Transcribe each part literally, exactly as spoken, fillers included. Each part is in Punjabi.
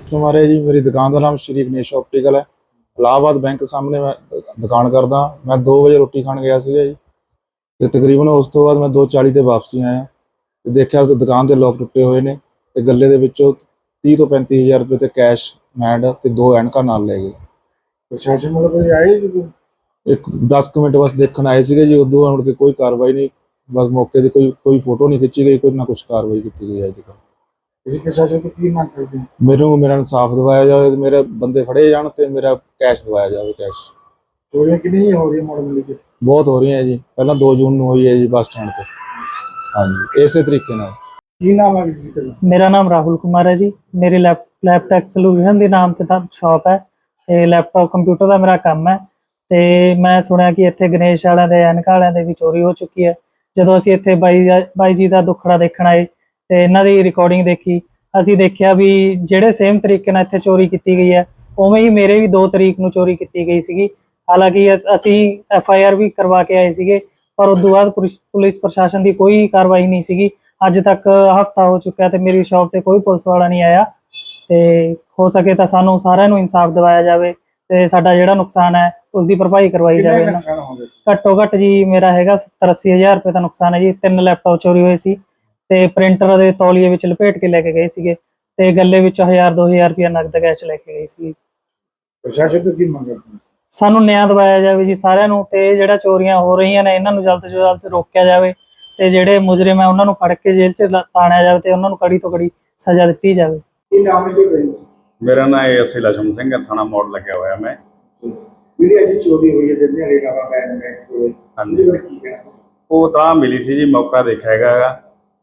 कुमार है जी। मेरी दुकान का नाम श्री गणेश ऑप्टिकल है। इलाहाबाद बैंक सामने मैं दुकान करदा। मैं दो बजे रोटी खाण गया सीगा जी ते तकरीबन उस तो बाद मैं दो चाली ते वापसी आया ते देखिया ते दुकान दे लॉक टुੱਟੇ होए ने ते गल्ले दे विचों तीस ਤੋਂ पैंतीस हज़ार रुपए ते कैश मैंड ते दो एनका नाल ले गए। प्रशासन वाले कोई आए सी कोई? एक दस कुछ मिनट बस देखण आए सीगे जी। उदों मुड़ के कोई कार्रवाई नहीं, बस मौके ते कोई कोई फोटो नहीं खिंची गई, कोई ना कुछ कार्रवाई की गई अज तक। ਤੁਸੀਂ ਪ੍ਰਸ਼ਾਸਨ ਤੋਂ ਕੀ ਮੰਗ ਕਰਦੇ ਹੋ? मेरे मेरा इंसाफ दिवाया जाए, मेरे बंदे फड़े जान ते मेरा कैश दिवाया जाए। कैश ਚੋਰੀਆਂ ਕਿੰਨੀਆਂ ਹੋ ਰਹੀਆਂ ਮੋੜ ਮਿਲੀ ਚ? बहुत हो रही है जी। पहला दो जून ਨੂੰ ਹੋਈ है जी बस स्टैंड ਤੇ। ਹਾਂਜੀ ਇਸੇ ਤਰੀਕੇ ਨਾਲ। ਕੀ ਨਾਮ ਹੈ ਜੀ ਤੇਰਾ? ਮੇਰਾ ਨਾਮ ਰਾਹੁਲ ਕੁਮਾਰ ਹੈ ਜੀ। ਮੇਰੀ ਲੈਪ ਲੈਪਟੈਕ ਸੋਲੂਸ਼ਨ ਦੇ ਨਾਮ ਤੇ ਤਾਂ ਸ਼ਾਪ ਹੈ ਤੇ ਲੈਪਟਾਪ ਕੰਪਿਊਟਰ ਦਾ ਮੇਰਾ ਕੰਮ ਹੈ। ਤੇ ਮੈਂ ਸੁਣਿਆ ਕਿ ਇੱਥੇ ਗਣੇਸ਼ ਵਾਲਿਆਂ ਦੇ ਐਨਕਾਂ ਵਾਲਿਆਂ ਦੇ ਵੀ ਚੋਰੀ ਹੋ ਚੁੱਕੀ ਹੈ। ਜਦੋਂ ਅਸੀਂ ਇੱਥੇ ਬਾਈ ਬਾਈ ਜੀ ਦਾ ਦੁੱਖੜਾ ਦੇਖਣ ਆਏ ਤੇ ਇਹਨਾਂ ਦੀ ਰਿਕਾਰਡਿੰਗ ਦੇਖੀ, ਅਸੀਂ ਦੇਖਿਆ ਵੀ ਜਿਹੜੇ ਸੇਮ ਤਰੀਕੇ ਨਾਲ ਇੱਥੇ ਚੋਰੀ ਕੀਤੀ ਗਈ ਹੈ ਉਵੇਂ ਹੀ ਮੇਰੇ ਵੀ ਦੋ ਤਰੀਕ ਨੂੰ ਚੋਰੀ ਕੀਤੀ ਗਈ ਸੀਗੀ। ਹਾਲਾਂਕਿ ਅਸੀਂ ਐਫ ਆਈ ਆਰ ਵੀ ਕਰਵਾ ਕੇ ਆਏ ਸੀਗੇ, ਪਰ ਉਸ ਤੋਂ ਬਾਅਦ ਪੁਲਿਸ ਪ੍ਰਸ਼ਾਸਨ ਦੀ ਕੋਈ ਕਾਰਵਾਈ ਨਹੀਂ ਸੀਗੀ। ਅੱਜ ਤੱਕ ਹਫਤਾ ਹੋ ਚੁੱਕਾ ਤੇ ਮੇਰੀ ਸ਼ਾਪ ਤੇ ਕੋਈ ਪੁਲਿਸ ਵਾਲਾ ਨਹੀਂ ਆਇਆ। ਤੇ ਹੋ ਸਕੇ ਤਾਂ ਸਾਨੂੰ ਸਾਰਿਆਂ ਨੂੰ ਇਨਸਾਫ ਦਿਵਾਇਆ ਜਾਵੇ ਤੇ ਸਾਡਾ ਜਿਹੜਾ ਨੁਕਸਾਨ ਹੈ ਉਸ ਦੀ ਭਰਪਾਈ ਕਰਵਾਈ ਜਾਵੇ। ਘੱਟੋ ਘੱਟ ਜੀ ਮੇਰਾ ਹੈਗਾ ਸੱਤਰ ਅੱਸੀ ਹਜ਼ਾਰ ਰੁਪਏ ਦਾ ਨੁਕਸਾਨ ਹੈ ਜੀ। ਤਿੰਨ ਲੈਪਟਾਪ ਚੋਰੀ ਹੋਏ ਸੀ ਤੇ ਪ੍ਰਿੰਟਰ ਦੇ ਤੌਲੀਏ ਵਿੱਚ ਲਪੇਟ ਕੇ ਲੈ ਕੇ ਗਏ ਸੀਗੇ ਤੇ ਗੱਲੇ ਵਿੱਚੋਂ ਹਜ਼ਾਰ ਦੋ ਹਜ਼ਾਰ ਰੁਪਇਆ ਨਕਦ ਕੈਸ਼ ਲੈ ਕੇ ਗਏ ਸੀ। ਪ੍ਰਸ਼ਾਸਨ ਤੋਂ ਕੀ ਮੰਗ ਕਰਦੇ ਹੋ? ਸਾਨੂੰ ਨਿਆਂ ਦਿਵਾਇਆ ਜਾਵੇ ਜੀ ਸਾਰਿਆਂ ਨੂੰ, ਤੇ ਜਿਹੜਾ ਚੋਰੀਆਂ ਹੋ ਰਹੀਆਂ ਨੇ ਇਹਨਾਂ ਨੂੰ ਜਲਦ ਤੋਂ ਜਲਦ ਰੋਕਿਆ ਜਾਵੇ ਤੇ ਜਿਹੜੇ ਮੁਜਰਮ ਹੈ ਉਹਨਾਂ ਨੂੰ ਫੜ ਕੇ ਜੇਲ੍ਹ 'ਚ ਤਾਣਿਆ ਜਾਵੇ ਤੇ ਉਹਨਾਂ ਨੂੰ ਕੜੀ ਤੋਂ ਕੜੀ ਸਜ਼ਾ ਦਿੱਤੀ ਜਾਵੇ। ਕੀ ਨਾਮ ਹੈ ਜੀ? ਮੇਰਾ ਨਾਮ ਹੈ ਐਸ ਲਛਮਣ ਸਿੰਘ ਹੈ, ਥਾਣਾ ਮੋੜ ਲੱਗਿਆ ਹੋਇਆ ਮੈਂ। ਜਿਹੜੀ ਅੱਜ ਚੋਰੀ ਹੋਈ ਹੈ ਦਿੰਦੇ ਵਾਲੇ ਲਾਵਾ ਬੈਂਕ ਬੈਂਕ ਕੋਲੇ, ਹਾਂਜੀ ਕੀ ਕਹਿਣਾ? ਉਹ ਤਾਂ ਮਿਲੀ ਸੀ ਜੀ, ਮੌਕਾ ਦੇਖਿਆ ਹੈਗਾ।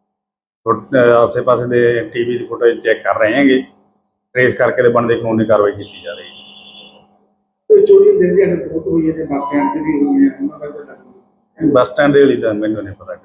ਆਸੇ ਪਾਸੇ ਦੇ ਟੀਵੀ ਦੀ ਫੁਟੇਜ ਚੈੱਕ ਕਰ ਰਹੇ ਹੈਗੇ, ਟ੍ਰੇਸ ਕਰਕੇ ਤੇ ਬਣਦੀ ਕਾਨੂੰਨੀ ਕਾਰਵਾਈ ਕੀਤੀ ਜਾ ਰਹੀ ਹੈ। ਚੋਰੀ ਦਿੰਦੇ ਵਾਲੇ ਬਹੁਤ ਹੋਈ ਹੈ ਤੇ ਬੱਸ ਸਟੈਂਡ ਤੇ ਵੀ ਹੋਈ ਹੈ, ਉਹਨਾਂ ਦਾ ਬੱਸ ਸਟੈਂਡ ਦੇ ਲਈ ਤਾਂ ਮੈਨੂੰ ਨਹੀਂ ਪਤਾ।